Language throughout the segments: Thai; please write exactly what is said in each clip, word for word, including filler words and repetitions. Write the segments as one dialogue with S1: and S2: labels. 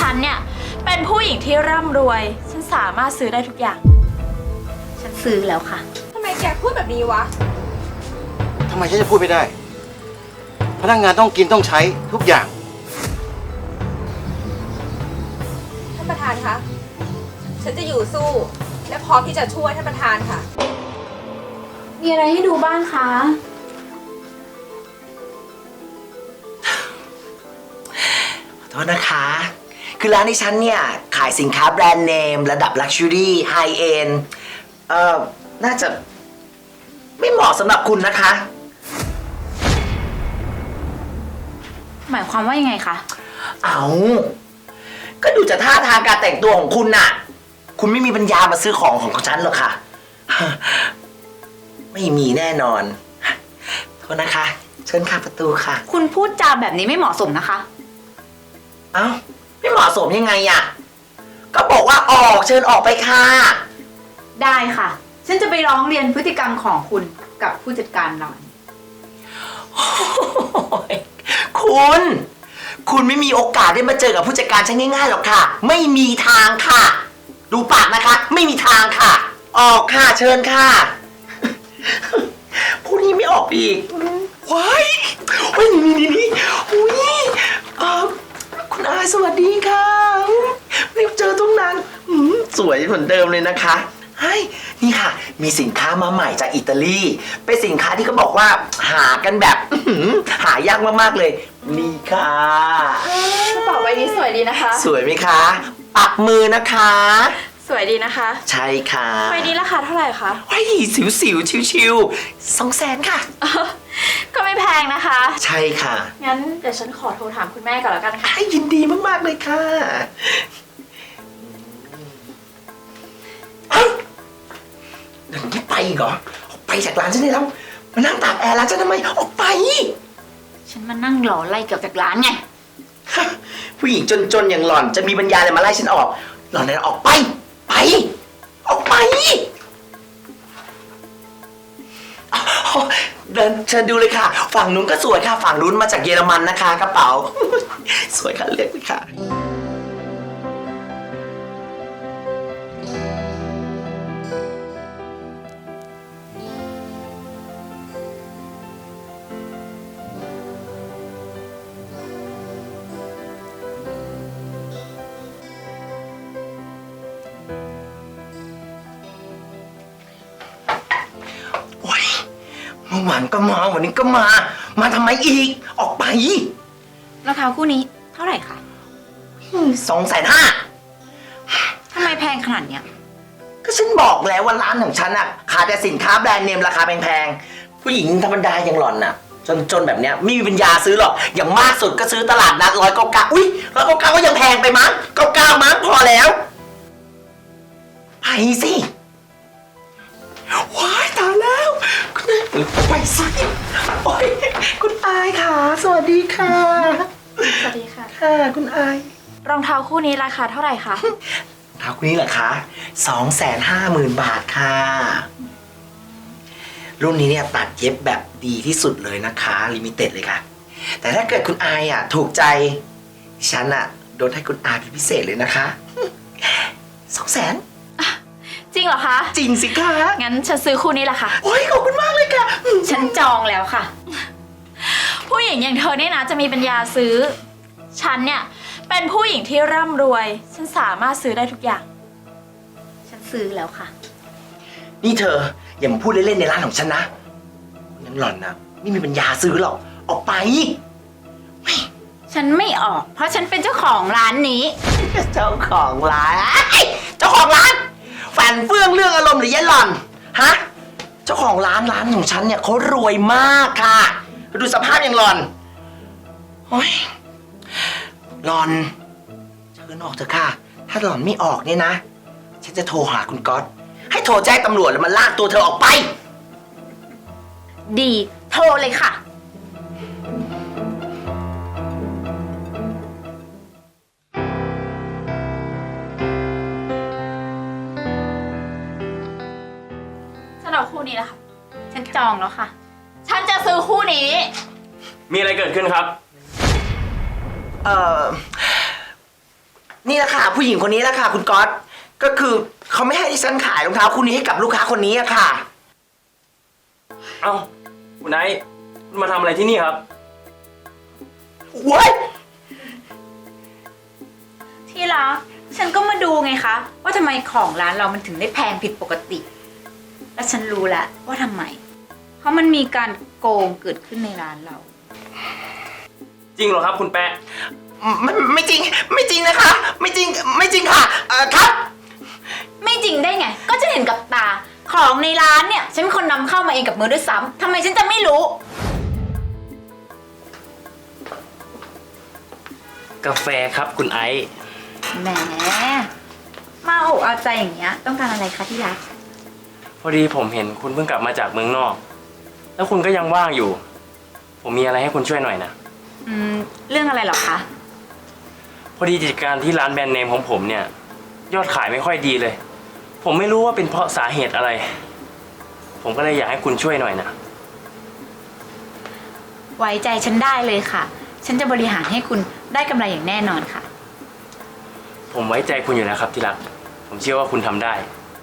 S1: ฉันเนี่ยเป็นผู้หญิงที่ร่ำรวยฉันสามารถซื้อได้ทุกอย่างฉันซื้อแล้วค่ะ
S2: ทำไมแกพูดแบบนี้วะ
S3: ทำไมฉันจะพูดไม่ได้ พนักงานต้องกินต้องใช้ทุกอย่าง
S2: ท่านประธานคะฉันจะอยู่สู้และพร้อมที่จะช่วยท่านประธานค่ะ
S1: มีอะไรให้ดูบ้างคะ
S4: ขอโทษนะคะ คือร้านที่ฉันเนี่ยขายสินค้าแบรนด์เนมระดับลักชัวรี่ไฮเอ็นเอ่อ น่าจะไม่เหมาะสำหรับคุณนะคะ
S1: หมายความว่ายังไงคะ
S4: เอาก็ดูจากท่าทางการแต่งตัวของคุณน่ะ คุณไม่มีปัญญามาซื้อของของฉันหรอกค่ะ ไม่มีแน่นอน โทษนะคะ เชิญค่ะประตูค่ะ
S1: คุณพูดจาแบบนี้ไม่เหมาะสมนะคะ
S4: เอ้าไม่เหมาะสมยังไงอะก็บอกว่าออกเชิญออกไปค่ะ
S1: ได้ค่ะฉันจะไปร้องเรียนพฤติกรรมของคุณกับผู้จัดการร้าน
S4: คุณ คุณไม่มีโอกาสได้มาเจอกับผู้จัดการฉันง่ายๆหรอกค่ะ ไม่มีทางค่ะ ดูปากนะคะ ไม่มีทางค่ะ ออกค่ะเชิญค่ะผู้นี้ไม่ออกอีกว้ายเฮ้ยนี่นี่นี่อุ้ยเออคุณอาสวัสดีค่ะไม่เจอตั้งนานสวยเหมือนเดิมเลยนะคะเฮ้ยนี่ค่ะมีสินค้ามาใหม่จากอิตาลีเป็นสินค้าที่เขาบอกว่าหากันแบบหายากมากๆเลยนี่ค่ะ
S1: กระเป๋าใบนี้สวยดีนะคะ
S4: สวยไหมคะปักมือนะคะ
S1: สวยดีนะคะ
S4: ใช่ค่ะ
S1: ใบนี้ราคาเท่าไหร่คะ
S4: ว้ายสิวสิวชิวชิวสองแสนค่ะ
S1: ก็ไม่แพงนะคะ
S4: ใช่ค่ะ
S1: งั้นเดี๋ยวฉันขอโทรถามคุณแม่ก่อนแล้วกันค่ะ
S4: ยินดีมากๆเลยค่ะเฮ้ยเดี๋ยวนี้ไปอีกเหรอออกไปจากร้านฉันได้แล้วมานั่งตากแอร์ร้านฉันทำไมออกไป
S1: ฉันมานั่งรอไล่เกี่ยวจากร้านไง
S4: ผู้หญิงจนๆอย่างหล่อนจะมีปัญญาอะไรมาไล่ฉันออกหล่อนนั้นออกไปไปออกไปเดินเชิญดูเลยค่ะฝั่งนู้นก็สวยค่ะฝั่งนู้นมาจากเยอรมันนะคะกระเป๋าสวยค่ะเลือกเลยค่ะเมื่อวานก็มาวันนี้ก็มามาทำไมอีกออกไป
S1: รองเท้าคู่นี้เท่าไหร่คะ
S4: สองแสนห้า
S1: ทำไมแพงขนาดเนี้ย
S4: ก็ฉันบอกแล้วว่าร้านของฉันอะขายแต่สินค้าแบรนด์เนมราคาแพงๆผู้หญิงธรรมดาอย่างหล่อนน่ะจนๆแบบเนี้ยไม่มีปัญญาซื้อหรอกอย่างมากสุดก็ซื้อตลาดนัดร้อยเก้าเก้าอุ้ยร้อยเก้าเก้าก็ยังแพงไปมั้งเก้าเก้ามั้งพอแล้วไปสิว้ายตายแล้วไปสิโอ้ยคุณอายค่ะสวัสดีค่ะ
S1: สวัสดีค่ะ
S4: ค่ะคุณอาย
S1: รองเท้าคู่นี้ราคาเท่าไหร่คะ
S4: รองเท้าคู่นี้เหรอคะสองแสนห้าหมื่นบาทค่ะรุ่นนี้เนี่ยตัดเย็บแบบดีที่สุดเลยนะคะลิมิเต็ดเลยค่ะแต่ถ้าเกิดคุณอายอ่ะถูกใจฉันอ่ะลดให้คุณอายเป็นพิเศษเลยนะคะสองแสน
S1: จริงเหรอคะ
S4: จริงสิคะ
S1: งั้นฉันซื้อคู่นี้แหละค่ะ
S4: โอ้ยขอบคุณมากเลยค่ะ
S1: ฉันจองแล้วค่ะผู้หญิงอย่างเธอเนี่ยนะจะมีปัญญาซื้อฉันเนี่ยเป็นผู้หญิงที่ร่ำรวยฉันสามารถซื้อได้ทุกอย่างฉันซื้อแล้วค่ะ
S4: นี่เธออย่ามาพูดเล่นๆในร้านของฉันนะงั้นหล่อนนะไม่มีปัญญาซื้อหรอกออกไป
S1: ฉันไม่ออกเพราะฉันเป็นเจ้าของร้านนี้
S4: เจ้าของร้านเจ้าของร้านฝันเฟื่องเรื่องอารมณ์หรือยายหล่อนฮะเจ้าของร้านร้านของฉันเนี่ยเขารวยมากค่ะดูสภาพอย่างหล่อนโอ้ยหล่อนเชิญออกเถอะค่ะถ้าหล่อนไม่ออกเนี่ยนะฉันจะโทรหาคุณก๊อตให้โทรแจ้งตำรวจแล้วมาลากตัวเธอออกไป
S1: ดีโทรเลยค่ะคู่นี้แหละค่ะฉันจองแล้วค่ะฉันจะซื้อคู่นี้
S5: มีอะไรเกิดขึ้นครับ
S4: เอ่อนี่แหละค่ะผู้หญิงคนนี้แหละค่ะคุณก๊อตก็คือเขาไม่ให้ดิฉันขายรองเท้าคู่นี้ให้กับลูกค้าคนนี้อะค่ะ
S5: เอ้าคุณไนท์คุณมาทำอะไรที่นี่ครับ
S4: เว้ย
S2: ที่รักฉันก็มาดูไงคะ ว่าทำไมของร้านเรามันถึงได้แพงผิดปกติ และฉันรู้แล้วว่าทำไม เพราะมันมีการโกงเกิดขึ้นในร้านเรา
S5: จริงเหรอครับคุณแปะ
S4: ไม่ไม่จริงไม่จริงนะคะ ไม่จริงไม่จริงค่ะเอ่อครับ
S2: ไม่จริงได้ไง ก็จะเห็นกับตา ของในร้านเนี่ย ฉันเป็นคนนำเข้ามาเองกับมือด้วยซ้ำทำไมฉันจะไม่รู้
S5: กาแฟครับคุณไอซ์
S2: แหม มาโอบเอาใจอย่างเงี้ย ต้องการอะไรคะที่รัก
S5: พอดีผมเห็นคุณเพิ่งกลับมาจากเมืองนอก แล้วคุณก็ยังว่างอยู่ ผมมีอะไรให้คุณช่วยหน่อยนะ
S2: อืม เรื่องอะไรเหรอคะ
S5: พอดีกิจการที่ร้านแบรนด์เนมของผมเนี่ย ยอดขายไม่ค่อยดีเลย ผมไม่รู้ว่าเป็นเพราะสาเหตุอะไร ผมก็เลยอยากให้คุณช่วยหน่อยนะ
S2: ไว้ใจฉันได้เลยค่ะ ฉันจะบริหารให้คุณได้กำไรอย่างแน่นอนค่ะ
S5: ผมไว้ใจคุณอยู่แล้วครับที่รัก ผมเชื่อว่าคุณทำได้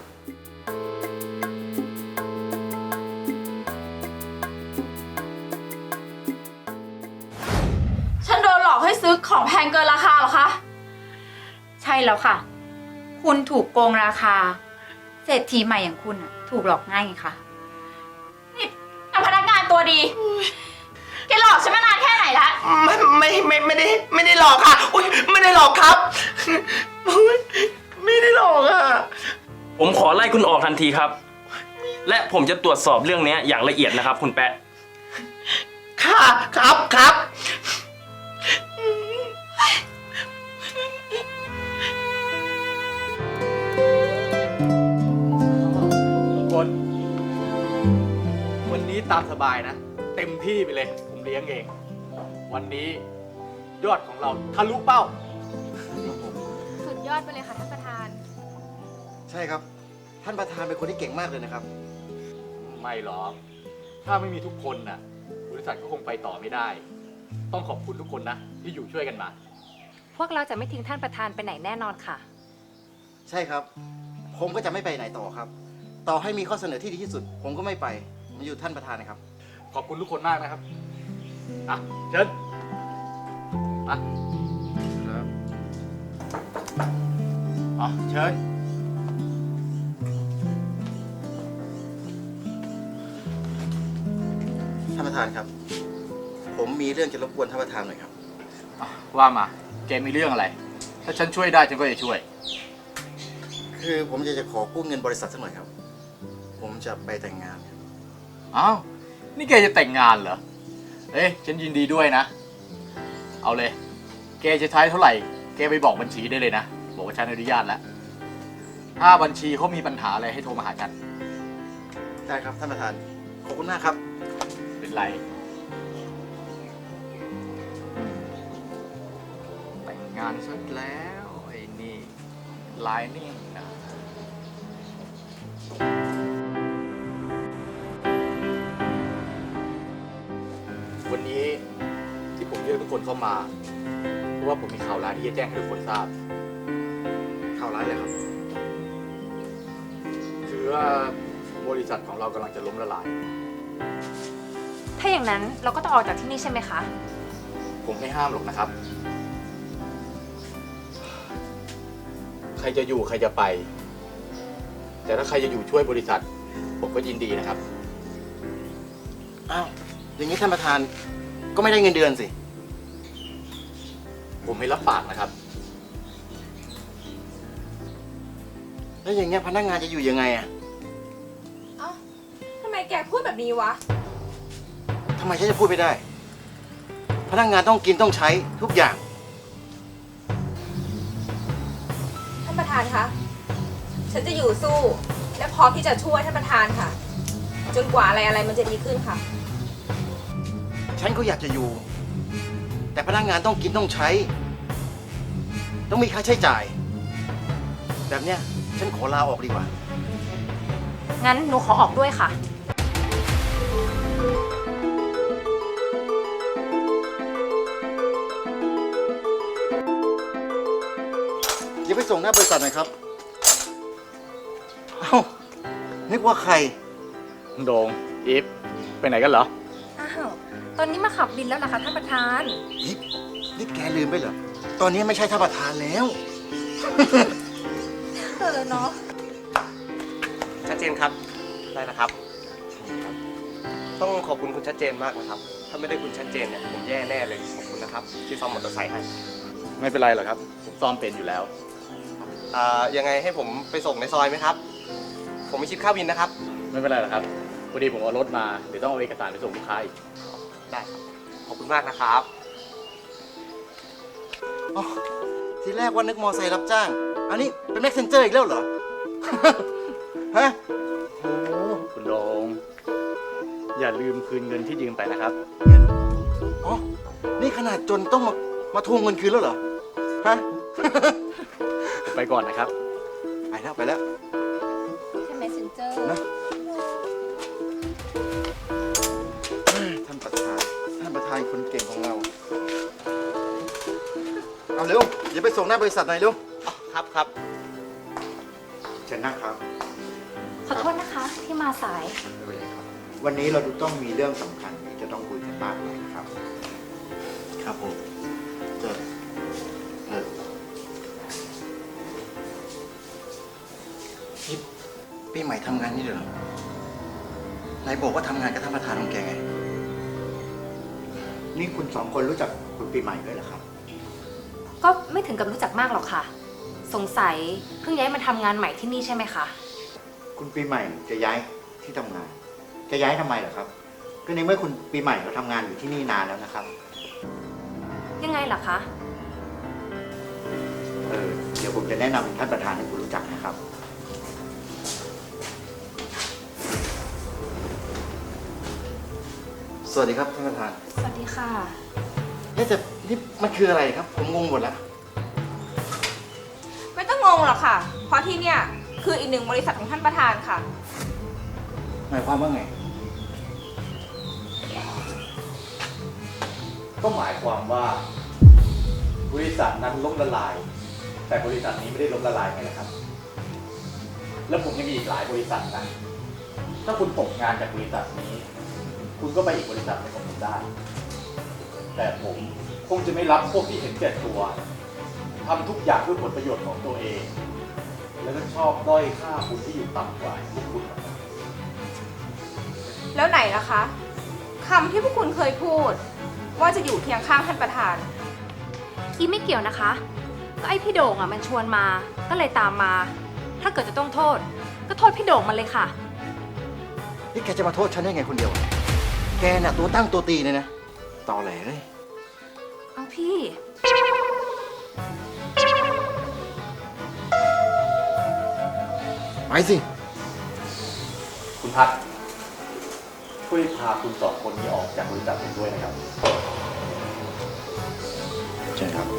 S1: ฉันโดนหลอกให้ซื้อของแพงเกินราคาเหรอคะ
S2: ใช่แล้วค่ะ คุณถูกโกงราคา เศรษฐีใหม่อย่างคุณน่ะถูกหลอกง่ายไงคะ
S1: นี่กับพนักงานตัวดี แกหลอกฉันมานานแค่ไหนละ
S4: ไม่ไม่ไม่ไม่ได้ไม่ได้หลอกค่ะอุ้ยไม่ได้หลอกครับอุ๊ยไม่ได้หลอกอ่ะ
S5: ผมขอไล่คุณออกทันทีครับ และผมจะตรวจสอบเรื่องนี้อย่างละเอียดนะครับ คุณแปะ
S4: ค่ะครับครับ
S6: ทุกคน วันนี้ตามสบายนะ เต็มที่ไปเลย ผมเลี้ยงเอง วันนี้ยอดของเราทะลุเป้า
S2: สุดยอดไปเลยค่ะท่านประธาน
S3: ใช่ครับ ท่านประธานเป็นคนที่เก่งมากเลยนะครับ
S6: ไม่หรอก ถ้าไม่มีทุกคนน่ะ บริษัทก็คงไปต่อไม่ได้ ต้องขอบคุณทุกคนนะ ที่อยู่ช่วยกันมา
S7: พวกเราจะไม่ทิ้งท่านประธานไปไหนแน่นอนค่ะ
S3: ใช่ครับ ผมก็จะไม่ไปไหนต่อครับ ต่อให้มีข้อเสนอที่ดีที่สุด ผมก็ไม่ไปมันอยู่ท่านประธานนะครับ
S6: ขอบคุณทุกคนมากนะครับ อ่ะ เชิญมา
S3: ครับอ๋อเชิญ ท่านประธานครับ ผมมีเรื่องจะรบกวนท่านประธานหน่อยครับ
S6: อ่ะว่ามา แกมีเรื่องอะไร ถ้าฉันช่วยได้ฉันก็จะช่วย
S3: คือผมจะจะขอกู้เงินบริษัทสักหน่อยครับ ผมจะไปแต่งงานครับ
S6: อ้าว นี่แกจะแต่งงานเหรอ เอ๊ะ ฉันยินดีด้วยนะ เอาเลย แกจะใช้เท่าไหร่ แกไปบอกบัญชีได้เลยนะ บอกว่าฉันอนุญาตแล้ว ถ้าบัญชีเขามีปัญหาอะไรให้โทรมาหาฉัน
S3: ได้ครับท่านประธาน ขอบคุณมากครับ
S6: เป็นไร แต่งงานซะแล้วไอ้นี่ลายนี่นะ วันนี้ที่ผมเรียกทุกคนเข้ามา เพราะว่าผมมีข่าวร้ายที่จะแจ้งให้ทุกคนทราบ
S3: ข่าวร้ายเลยครับ
S6: คือว่าบริษัทของเรากำลังจะล้มละลาย
S7: ถ้าอย่างนั้นเราก็ต้องออกจากที่นี่ใช่ไหมคะ
S6: ผมไม่ห้ามหรอกนะครับ ใครจะอยู่ใครจะไป แต่ถ้าใครจะอยู่ช่วยบริษัท ผมก็ยินดีนะครับ
S3: อ้าว อย่างนี้ท่านประธานก็ไม่ได้เงินเดือนสิ
S6: ผมไม่รับปากนะครับ
S3: แล้วอย่างเงี้ยพนักงานจะอยู่ยังไงอะ
S2: เอ้าทำไมแกพูดแบบนี้วะ
S3: ทำไมฉันจะพูดไม่ได้ พนักงานต้องกินต้องใช้ทุกอย่าง
S2: ท่านประธานคะ ฉันจะอยู่สู้ และพร้อมที่จะช่วยท่านประธานค่ะ จนกว่าอะไรอะไรมันจะดีขึ้นค่ะ
S3: ฉันก็อยากจะอยู่ แต่พนักงานต้องกินต้องใช้ ต้องมีค่าใช้จ่าย แบบเนี้ยฉันขอลาออกดีกว่า
S7: งั้นหนูขอออกด้วยค่ะ
S3: อย่าไปส่งหน้าบริษัทหน่อยครับ เอ้า นึกว่าใคร
S6: โดงอีฟไปไหนกันเหรอ
S7: อ้าว ตอนนี้มาขับบินแล้วนะคะท่านประธาน
S3: นี่นี่แกลืมไปเหรอ ตอนนี้ไม่ใช่ท่านประธานแล้ว
S7: เออเนาะ
S8: ชัดเจนครับ ได้แล้วครับ ต้องขอบคุณคุณชัดเจนมากนะครับ ถ้าไม่ได้คุณชัดเจนเนี่ยผมแย่แน่เลย ขอบคุณนะครับ ที่ซ่อมมอเตอร์ไซค์ให้
S6: ไม่เป็นไรหรอกครับ ผมซ่อมเป็นอยู่แล้ว
S8: อ่า ยังไงให้ผมไปส่งในซอยไหมครับ ผมไม่คิดค่าวินนะครับ
S6: ไม่เป็นไรหรอกครับ พอดีผมเอารถมา เดี๋ยวต้องเอาเอกสารไปส่งลูกค้าอีก
S8: ได้ครับ ขอบคุณมากนะครับ
S3: อ๋อ ทีแรกว่านึกมอไซค์รับจ้าง อันนี้เป็นแม็กเซนเจอร์อีกแล้วเหรอ ฮะ โอ้โห
S6: คุณโดงอย่าลืมคืนเงินที่ยืมไปนะครับ
S3: เงินอ๋อ นี่ขนาดจนต้องมา มาทวงเงินคืนแล้วเหรอ ฮะ
S6: ผมไปก่อนนะครับ
S3: ไปแล้วไปแล้ว
S7: ใช่ไหมเซนเจอร์
S3: นะท่านประธาน ท่านประธานคนเก่งของเรา เอาเร็ว อย่าไปส่งหน้าบริษัทหน่อยเร็ว
S8: ครับครับ
S9: เชิญนั่งครับ
S7: ขอโทษนะคะที่มาสาย
S9: วันนี้เราต้องมีเรื่องสำคัญที่จะต้องคุยกันมากเลยนะครับ
S3: ครับผมเจอเออนี่ปีใหม่ทำงานนี่เหรอนายบอกว่าทำงานกับท่านประธานของแกไง
S9: นี่คุณสองคนรู้จักคุณปีใหม่ด้วยเหรอครับ
S7: ก็ไม่ถึงกับรู้จักมากหรอกค่ะ สงสัยเพิ่งย้ายมาทำงานใหม่ที่นี่ใช่ไหมคะ
S9: คุณปีใหม่จะย้ายที่ทำงาน จะย้ายทำไมเหรอครับ ก็ในเมื่อคุณปีใหม่เขาทำงานอยู่ที่นี่นานแล้วนะครับ
S7: ยังไงล่ะคะ
S9: เออ เดี๋ยวผมจะแนะนำท่านประธานให้คุณรู้จักนะครับ
S3: สวัสดีครับท่านประธาน
S7: สวัสดีค่ะ
S3: เอ๊ะแต่นี่มันคืออะไรครับ ผมงงหมดแล้ว
S10: ไม่ต้องงงหรอกค่ะ เพราะที่เนี่ยคืออีกหนึ่งบริษัทของท่านประธานค่ะ
S3: หมายความว่าไง
S6: ก็หมายความว่า บริษัทนั้นล้มละลาย แต่บริษัทนี้ไม่ได้ล้มละลายไงนะครับ แล้วผมยังมีอีกหลายบริษัทนะ ถ้าคุณตกงานจากบริษัทนี้ คุณก็ไปอีกบริษัทหนึงของผมได้ แต่ผมคงจะไม่รับพวกที่เห็นแก่ตัวทำทุกอย่างเพื่อผลประโยชน์ของตัวเอง แล้วก็ชอบด้อยค่าคุณที่อยู่ต่ำกว่าพวกคุณนะครับ
S10: แล้วไหนล่ะคะคำที่พวกคุณเคยพูด ว่าจะอยู่เคียงข้างท่านประธาน
S7: อีไม่เกี่ยวนะคะ ก็ไอพี่โด่งอ่ะมันชวนมา ก็เลยตามมา ถ้าเกิดจะต้องโทษ ก็โทษพี่โด่งมันเลยค่ะ
S3: นี่แกจะมาโทษฉันได้ไงคนเดียว แกน่ะตัวตั้งตัวตีเลยนะตอแหลเลย
S7: เอาพี่
S3: ไปสิ
S6: คุณพัดช่วยพาคุณสองคนนี้ออกจากบริษัทผมด้วยนะครับ
S3: เชิญครับ